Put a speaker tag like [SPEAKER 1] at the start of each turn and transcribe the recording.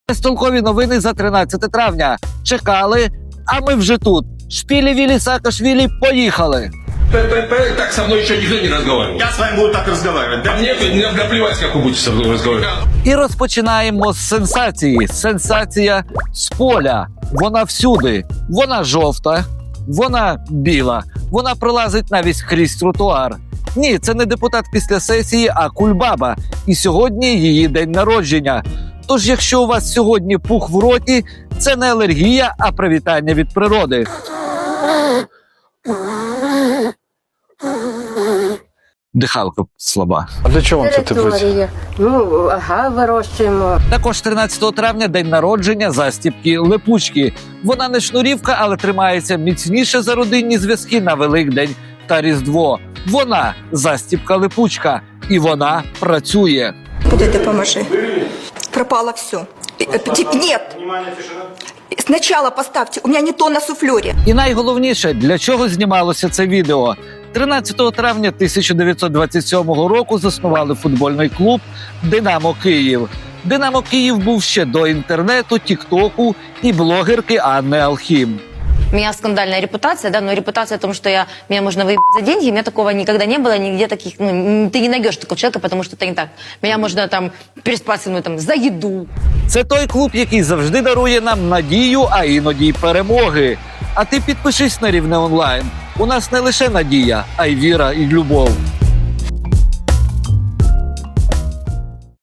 [SPEAKER 1] Столкові новини за 13 травня. Чекали, а ми вже тут. Шпілі-вілі, Саакашвілі, поїхали!
[SPEAKER 2] Так со мной еще никто не разговаривал.
[SPEAKER 3] Я с вами буду так разговаривать, да?
[SPEAKER 2] А мне наплевать, как вы будете со мной разговаривать.
[SPEAKER 1] І розпочинаємо з сенсації. Сенсація з поля. Вона всюди. Вона жовта, вона біла, вона пролазить навіть крізь тротуар. Ні, це не депутат після сесії, а Кульбаба. І сьогодні її день народження. Тож, якщо у вас сьогодні пух в роті, це не алергія, а привітання від природи. Дихалка слаба.
[SPEAKER 4] А для чого вам це теплиці?
[SPEAKER 5] Територія. Ну, ага, вирощуємо.
[SPEAKER 1] Також 13 травня день народження застіпки Липучки. Вона не шнурівка, але тримається міцніше за родинні зв'язки на Великдень та Різдво. Вона застіпка Липучка. І вона працює.
[SPEAKER 6] Куда ты поможи? Пропало все. Нет. Сначала поставьте. У меня не то на суфлере.
[SPEAKER 1] І найголовніше, для чого знімалося це відео. 13 травня 1927 року заснували футбольний клуб «Динамо Київ». «Динамо Київ» був ще до інтернету, тіктоку і блогерки Анни Алхім.
[SPEAKER 7] У меня скандальная репутация, да, но репутация о том, что меня можно выебать за деньги, у меня такого никогда не было, нигде таких, ты не найдешь такого человека, потому что это не так. Меня можно там переспать со мной там за еду.
[SPEAKER 1] Це той клуб, який завжди дарує нам надію, а іноді й перемоги. А ти підпишись на Рівне онлайн. У нас не лише надія, а й віра і любов.